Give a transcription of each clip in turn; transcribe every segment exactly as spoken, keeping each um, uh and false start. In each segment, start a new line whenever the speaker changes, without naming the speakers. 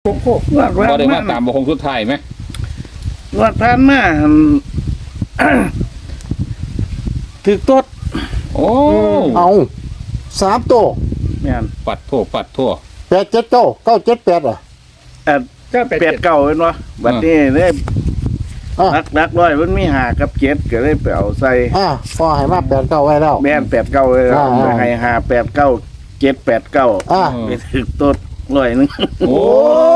โอ้โหว่าว่าได้มาตามบคงสุดท้ายไหม
ว่าท่านมาถือต้น
โอ้
เอาสามโต
แม่น
ปัดทั่วปัดทั่ว
แปดเจ็ดโตเก้าเจ็ดแปดอ่ะ
เอ่อก็แปดเก้าเห็นบ่บัดนี้เนี่ยรักรักร้อยมันมีหากับเจ็ดก็เลยไปเอาใส่
อ่าพอให้มาแปดเก้าไว้แล้ว
แม่นแปดเก้าเลยไปให้หาแปดเก้าเจ็ดแปดเก้าไปถือต้นร้อยนึง
โอ้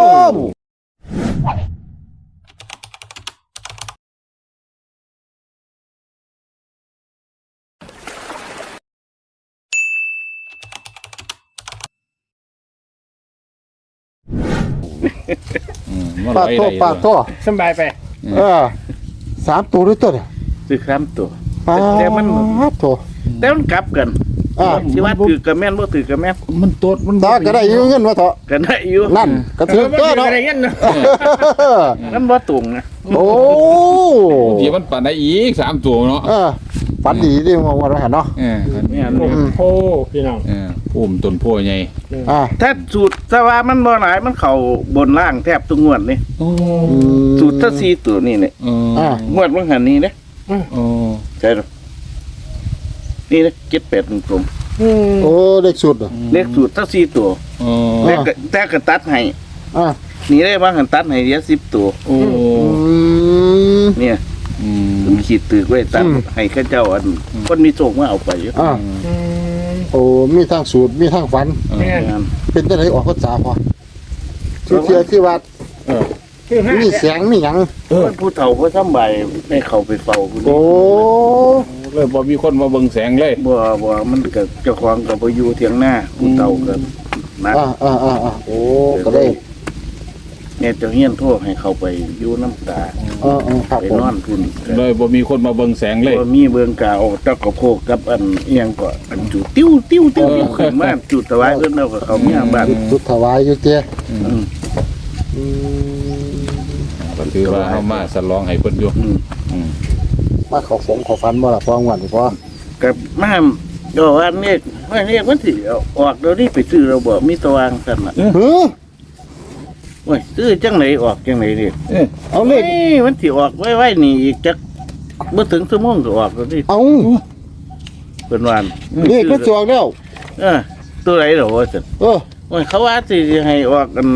ปาดโตปาดโต
สบายไป
เออสามตัวด้วยตัวเนี่ย
ถือสามตัว
แต่มันโต
แต่มันกลับกันที่ว่าถือกระแม่นบ่ถือกระแม่น
มันโตดมัน
ตาก็ได้อยู่เงินวะเถอะ
ก็ได้อยู่
นั่นก็ถือตัวเนาะ
นั่นบ่ตรงนะ
โอ้
เดี๋ยวมันปั่นได้อีกสามตัวเนาะ
เออปั่นดีดิมองว่าเราเห็นเนาะ
เออ
เนี่ย
โอ้พี่น้อง
เออพุ่มต้นโพใหญ่
อ่า
ถ้าสูตรสว่ามันบ่หลายมันเข้าบนล่างแทบทุกงวดนี่
โอ้
สูตรถ้าสี่ตัวนี่เนี่ย
อ่าง
วดมันหันนี่เด้
โอ้
ใช่หรอนี่นะเจ็ดแปดตรง
ๆโอ้เล็กสุดอ่ะ
เลขสูตรถ้าสี่ตัวแต่แต่ก็ตัดให้
อ่า
นี่ได้บ้างกันตัดให้เดียวสิบตัว
โอ้
เนี่ยผมขีดตึกไว้ตัดให้ข้าเจ้าอันคนมีโชคมาเอาไปอยู่
อ่าโอ้มีทั้งสูตรมีทั้งฝันเป็นจังได๋ออกภาษาพอชื่อเสียที่วัด
เออ
มีแสงมีหยัง
เออผู้เฒ่าเขาทำใบให้เขาไปเฝ้า
โอ้
เลยบ่มีคนมาเบิ่งแสงเลย
บ่บ่มันก็เจ้าของก็บ่อยู่เถียงหน้าผู้เฒ่าก็นัก
อ่าๆๆโอ้ก็ได้
เนี่ยเจ้าเฮียนโทษให้เขาไปอยู่น้ำตา
เออๆครับ
ไปนอนพุ่น
เลยบ่มีคนมาเบิ่งแสงเลย
บ่มีเบิ่งกาออกตะกะโพกกับอันเอียงก็อันจุติ้วติ้วติ้วขึ้นมาจุดถวายเพิ่นเอาก็เขามีบ้าน
จุดถวายอยู่เจ้อืม
ก็คือว่าเฮามาฉลองให้เพิ่นอยู่
อืมมาขอฝงขอฟันบ่ล่ะพอหวันพอ
กับมาก็ว่านี่ว่านี่มันสิออกเดี๋ยวนี้ไปซื้อเราบ่มีตะวางซั่นน่ะ
เออ
โอ้ยซื้อจังไหนออกจังไหนนี่
เอาเลข
มันสิออกไว้ๆนี่อีกจักบ่ถึงชั่วโมงก็ออกแล้วนี่
เอา
เพิ่นว่า
เลขมันจอกแล้ว
เออตัวไหนเหรอว่าซั่น
เออ
โอ้ยเขาว่าสิให้ออกกัน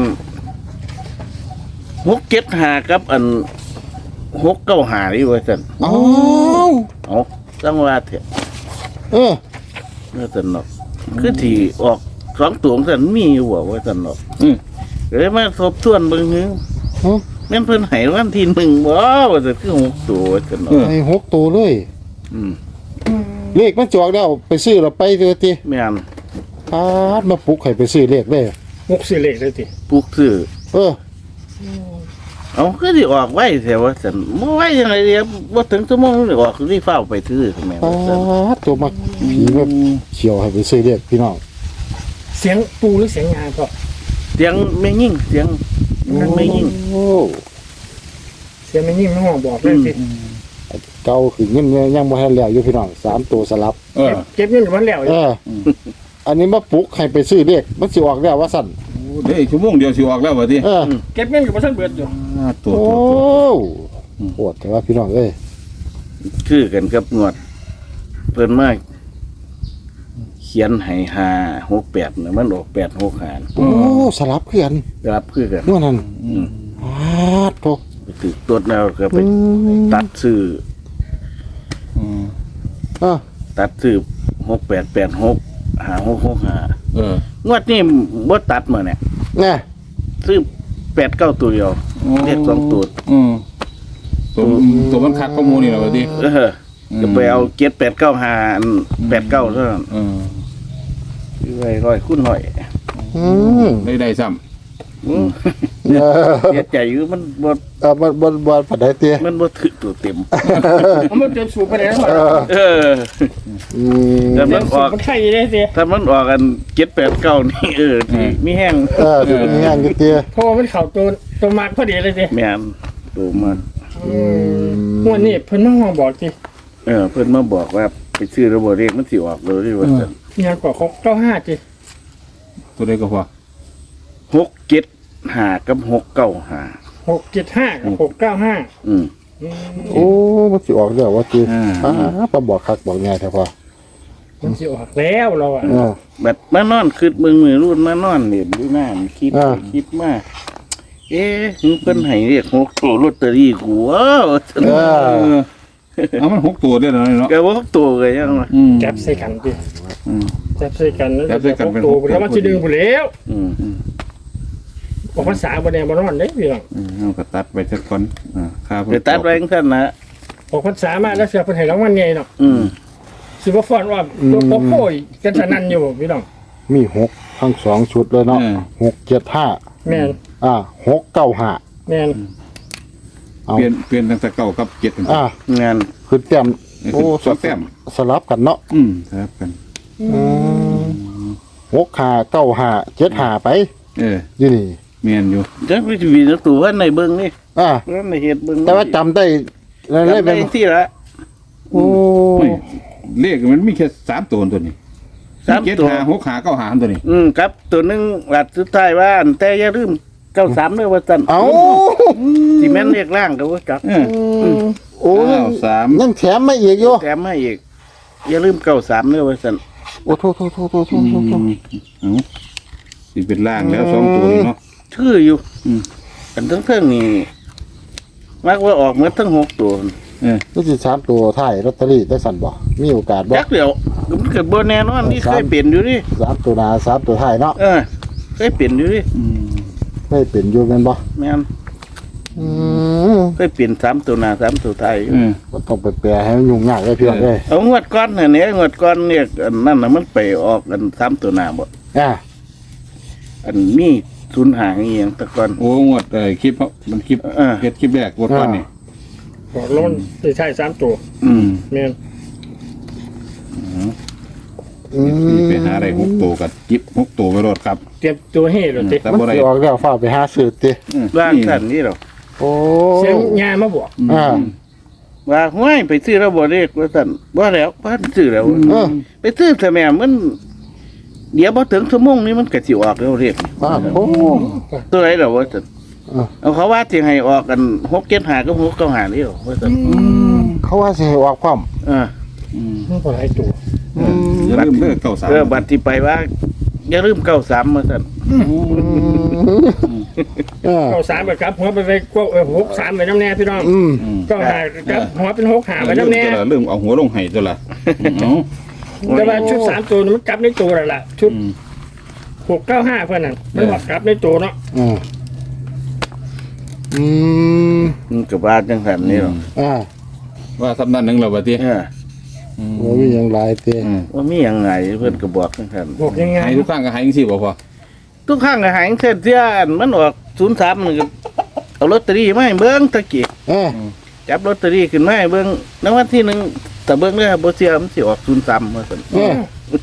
หกเจ็ดห้ากับอันหกเก้าห้านี่ว่าซั่น
เอ้า
เอาจังว่าเถอะ
เออ
เมื่อซั่นเนาะคือที่ออกสองตัวซั่นมีอยู่บ่ว่าซั่นเนาะอือเลยมาทบทวนเบิ่งฮึแม่นเพิ่นให้วันที่หนึ่งบ่ว่าซั่นคือหกตัวว่าซั่นเนาะ
ให้หกตัวเลย
อืม
เลขมันจอกแล้วไปซื้อแล้วไปเด้อติ
แม่น
พาดมาปลุกให้ไปซื้อเลขเลย
หกซื้อเลขเลยติ
ปลุกซื้อ
เออ
เอาคือสิออกไว้แท้ว่าซั่นบ่ไว้จังได๋เดี๋ยวบ่ถึงชั่วโมงนี่ออกรีบฟ้าวไปซื้อแม่ว่าซั่น
ตัวมาผีมาเขียวให้ไปซื้อเลขพี่น้อง
เสียงปูหรือเสียงงานพ่อ
เสียงแม่ยิ่งเสียงนั่นแม่ยิ่ง
โอ้
เสียงแม่ยิ่งไม่ห้องบอกเลยสิ
เก่าคือเงินยังบ่ทันแล้วอยู่พี่น้องสามตัวสลับ
เออเก็บเงินอยู่มันแล้ว
เอออันนี้มาปลุกให้ไปซื้อเลขมันสิออกแล้วว่าซั่น
เด้ชั่วโมงเดียวสิออกแล้วว่าติ
เออ
เก็บเงินอยู่บ่ทันเบิดอยู่
ตัวโอ้โหดแต่ว่าพี่น้องเอ้ย
คือกันกับงวดเพิ่นมาเขียนให้ห้า หก แปดน่ะมันออกแปด หก ห้า
โอ้สลับคือกัน
สลับคือกัน
ว่านั่นอืมอ้าโธ่
ไปตึกตดแล้วก็ไปตัดซื้อ
อืมอ่ะ
ตัดซื้อหก แปด แปด หก ห้า หก หก ห้า
เออง
วดนี้บ่ตัดมื้อเนี่ย
แน่
ซื้อแปด เก้าตัวเดียวเรียกสองตัว
อืมตัวตัวมันคักข้อมูลนี่แหละว่าติ
เออจะไปเอาเจ็ด แปด เก้า ห้า แปด เก้าเท่านั้น
เออ
คือไว้ร้อยคูณร้อย
อืม
ได้ได้ซ้ำ
เสียใจอยู่มันบ่
เออมันบ่บ่ปานใดเตี้ย
มันบ่ถึกตัวเต็ม
มันเต็มสูบไปแล้ว
เอออืมแต่มันออก
มันไข่ได้สิ
ถ้ามันออกกันเจ็ด แปด เก้านี่เออที่มีแห้ง
เออมีแห้งอยู่เตี้ย
เพราะมันเข้าตัวตัวมากพอดีเลยสิ
แม่นตัวมัน
อืมวันนี้เพิ่นมาห้องบอกสิ
เออเพิ่นมาบอกว่าไปซื้อระบบเลขมันสิออกเลยว่าซั่น
งานกว่าหก เก้า ห้าจิ
ตัวใดก็พอ
หก เจ็ดห้ากับหกเก้าห้า
หกเจ็ดห้ากับหกเก้าห้า
อืม
โอ้มันสิออกเด้อว่าติ
อ่า
อ่าปบอกคักบอกง่ายแท้พอ
มันสิออกแล้วเราอ่ะ
เออ
แบบมานอนคืดเมืองมือรุ่นมานอนเนี่ยดูหน้ามันคิด
อ่า
ไปคิดมาเอ๊ะมึงเพิ่นให้เรียกหกตัวลอตเตอรี่กูว้าว
เออ
เอามันหกตัวเด้อเนาะเนาะ
แกว่าหกตัวเลยยังวะ
อืม
จับใส่กันดิ
อืม
จับใส่กันแล้ว
จับใส่กันเป็น
ตัว
หกตัว
แล้วมันจะดึงไปแล้ว
อืม
ออกภาษาบนแดงบนนอนได้พี่น้อง
อืมเอาก็ตัดไปสักก่อนอ่าค่าเพิ่
ไปตัดไว้ของท่านนะ
ออกภาษามาแล้วเสียเป็นให้รางวัลใหญ่เนาะ
อืม
สิบ่ฟอนว่าตัวโโค้ยกันสนั่นอยู่พี่น้อง
มีหกทั้งสองชุดเลยเนาะ
เออ
หกเจ็ดห้า
แม่น
อ่าหกเก้าห้า
แม่น
เอา
เปลี่ยนเปลี่ยนตั้งแต่เก้ากับเจ็ด
อ่าง
าน
ขึ้นแต้ม
โอ้
โอ้
สองแต้ม
สลับกันเนาะ
อืมครับกัน
อืมหกห้าเก้าห้าเจ็ดห้าไป
เออ
อยู่นี่
เมียนอยู่
จักวิธีวีนตัวว่าในเบิ้งนี่
อ่า
ว่าในเฮ็ดเบิ้ง
แต่ว่าจำได้แล้ว
จำ
เป็
ได้
น
ที่ละ
โอ้
ไม่เลขมันมีแค่สามตัวตัวนี้
สาม
เจ็ด
ตัว
หาหกหาเก้าหาตัวนี้
อืมครับตัวหนึงหลัดสุดท้ายว่าอันแต่อย่าลืมเก้าสามเด้อว่าซั่น
เอา
ที่แม่นเรียกร่างก็ว่าจัก
เออ
โอ้
เก้าสาม
ยังแถมมาอีกอยู่
แถมให้อีกอย่าลืมเก้าสามเด้อว่าซั่น
โอ้โทษโทษโทษโทษโท
อื
ษโทษโทษ
มเอาสิเป็นล่างแล้วสองตัวนี่เนาะ
ชื่ออยู่
อืม
อันทั้งเทิงนี่มักว่าออกหมดทั้งหกตัว
เออ
นี่สิสามตัวถ่ายลอตเตอรี่ได้สั่นบ่มีโอกาสบ่
จักเดียวมันเกิดบ่แน่นอนนี่เคยเปลี่ยนอยู่ดิ
สามตัวหน้าสามตัวถ่ายเนาะ
เออเคยเปลี่ยนอยู่ดิ
อืม
ไม่เป็นอยู่แม่นบ่
แม่น
อืม
เคยเปลี่ยนสามตัวหน้าสามตัวท้ายอยู่
เออ
บ่ต้องไปแปลให้มันยุ่งยากเลยพี่น้องเอ้ย
เอางวดก้อนน่ะเนี่ยงวดก้อนเนี่ยอันนั่นน่ะมันไปออกกันสามตัวหน้าบ่
อ่า
อันมีศูนย์หางอีหยังแตะก่อน
โอ้งวดเอ้ยคลิปเขามันคลิป
เออ
เฮ็ดคลิปแรกงวดก่อนนี่
บอกล้นสิใช่สามตัว
อืม
แม่น
อืม
ไปหาอะไรหกตัวกับจิบหกตัวไปรถครับ
เตรียมตัวให้เลยติ
แต่
มัน
บ่ได้
สิออกแล้วฟ้ากไปหาซื้อติ
อืม
ร่างสั่นนี่หรอก
โอ้
เสียงยามาบอก
อ่า
ว่าห้วยไปซื้อแล้วบ่เรียกว่าสั่นบ่แล้วบ่ซื้อแล้ว
เออ
ไปซื้อแต่แม่มัน เดี๋ยวบ่ถึงชั่วโมงนี้มันก็สิออกแล้วเรียก
อ่าโอ้
ตัวไหนเหรอว่าสั่น
เออ
เอาเขาว่าสิให้ออกกันหกเจ็ดหาก็หกเก้าหานี่หรอว่าสั่น
เขาว่าสิให้ออกความ
เออ
อืม
มันก็หลายตัว
เอออย่าลืมเด้อเก้าสาม
เออบัดที่ไปว่าอย่าลืมเก้าสามมาสั่น
เออ
เก้าสามไปครับหัวไปไปกเออหกสามไปน้ำแน่พี่น้อง
อืม
อืม
เก็หาครับหัวเป็นหกหาไป
ลืม
น้ำแน่
ตัวละลืมเอาหัวลงให้ตัวละเอา
แต่ว่าชุดสามตัวนี่มันกลับในตัวแล้วล่ะชุด
อืม
หกเก้าห้าเพื่อนนั่นมันบอกกลับในตัวเนาะ
อืมอืม
มันก็ว่าจังซั่นนี่หรอ
อ่า
ว่าสำนักหนึ่งเราบัดนี้
เออ
โอ้มีหยังหลายติ
อืม
ว่ามีหยังไงเพิ่นก็บอกจังซั่น
บอกยังไง
ให้ทุกครั้งก็ให้จังซี่บ่พอ
ทุกครั้งก็หายเส้นเสียอันมันออกศูนย์สามมันก็เอาลอตเตอรี่มาให้เบิ่งตะกี้
เออ
จับลอตเตอรี่ขึ้นมาให้เบิ่งรางวัลที่หนึ่งแต่เบิ่งเด้อบ่เสียมันสิออกศูนย์สามว่าซั่น
เออ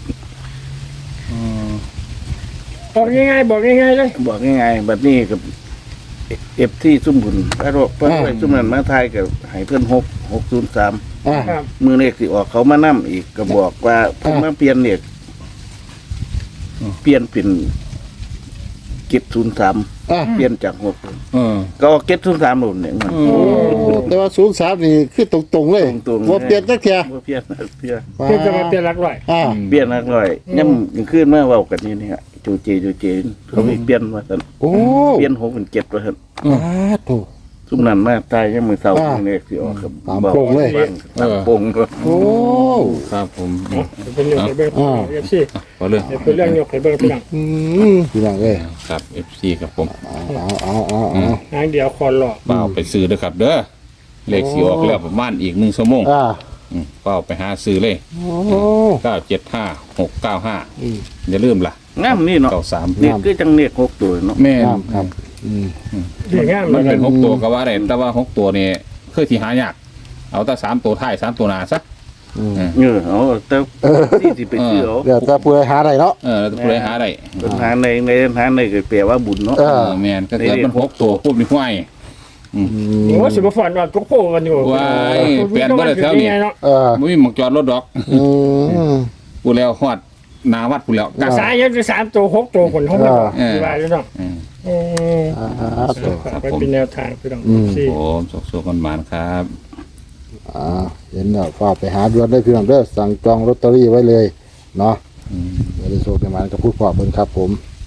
บอกยังไงบอกยังไงเลย
บอกง่ายๆบัดนี้กับเอฟที่ซุ่มบุญพระโรคพระโรคซุ่มนั้นมาทายกับให้เพิ่นหก หกศูนย์สาม
อ่า
ครับ
มือเลขสิออกเขามานํอีกก็บอกว่าเพิ่นมาเปลี่ยนเลขเปลี่ยนเป็นเก็บศูนย์สาม
อ่า
เปลี่ยนจากหก
เออ
ก็เอาเก็บศูนย์สามหล่นเนี่ยมัน
โอ้
โอ้แต่ว่าศูนย์สามนี่คือตรงๆเลย
ตรงๆ
บ่เปลี่ยนจักเที่ย
บ่เปลี่ยนนะเปลี่ยน
เพื่อจะมาเปลี่ยนหลักร้อย
อ่า
เปลี่ยนนักร้อยย่ำกลางคืนมาเว้ากันนี่นี่ฮะจูเจจูเจเขาไปเปลี่ยนว่าซั่น
โอ้
เปลี่ยนหกเป็นเจ็ดว่าซั่น
อ่าโต
ซุมนั้นมาตายยังมือเศร้า
อ่า
มือเลขสิออกครับ
ตามโป่งเลย
ตามโป่งก็
โอ้
ครับผมอืม
เป็นเรื่องไปเบิ้ง
อ่า
เอฟซี
พอเรื่อง
เป็นเรื่องยกไปเบิ้งพี่น้อง
อืมพี่น้องเอ้ย
ครับ เอฟ ซี ครับผม
เอาเอาเอาเอา
หางเดียวคอนหลอก
เปล่าไปซื้อเด้อครับ เด้อเลขสีออกแล้วประมาณอีกหนึ่งชั่วโมง
อ่า
อืมเปล่าไปหาซื้อเลย
โอ้
เก้าเจ็ดห้าหกเก้าห้า
อืม
อย่าลืมล่ะ
งามนี่เนาะ
เก้าสาม
นี่คือจังเนกหกตัวเนาะ
แม่น
ครับครับอืม
เรื่องงาม
มัน
เล
เป็
ย
นหกตัวก็ว่าได้แต่ว่าหกตัวนี่คือที่หายากเอาแต่สามตัวท้ายสามตัวหน้าซะ
อืม
เออเอาแต่ที่สิไปซื้อเอา
เดี๋ยวจะผู้ใดหาได้เนาะ
เออแล้วจะผู้ใดหาได้
ปัญหาในในปัญหาในก็แปลว่าบุญเนาะ
เอ
เอ
อ
อแม่นก็เกิดมันหกตัวปุ๊บนี่ห้วย
อืม
โอ้สิบฟอนว่าทุกโพกันอยู่
ว้ายเปลี่ยนบ่ได้แถวนี้
เนาะ
เออ
ไม่มีหมองจอดรถดอก
อืม
กูแล้วฮอดหนาวัดพุ่นแล้วกัก
สายยังจะสามตัวหกตัวคนเขาไม่บอก
เออ
ที่ว่าอยู่เนาะ
อืม
เออ
อ่าตัว
ครับ
ไป
ผม
เป็นแนวทางพี่น้อง
อืม
สี่
ผมสุขๆกันหมานครับ
อ่าเห็นแล้วฝากไปหาด่วนได้พี่น้องเด้อสั่งจองลอตเตอรี่ไว้เลยเนาะ
อืม
เดี๋ยวได้โชคประมาณกับพูดพอเพิ่นครับผม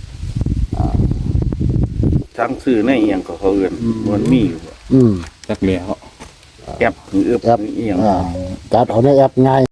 ทั้งซื้อในเอียงก็เขาเอื่นมันมีอยู่
อืม
จักแล้ว
แอปหรือเอือบ
แอป
เอียง
อ่าจัดเอาในแอปง่าย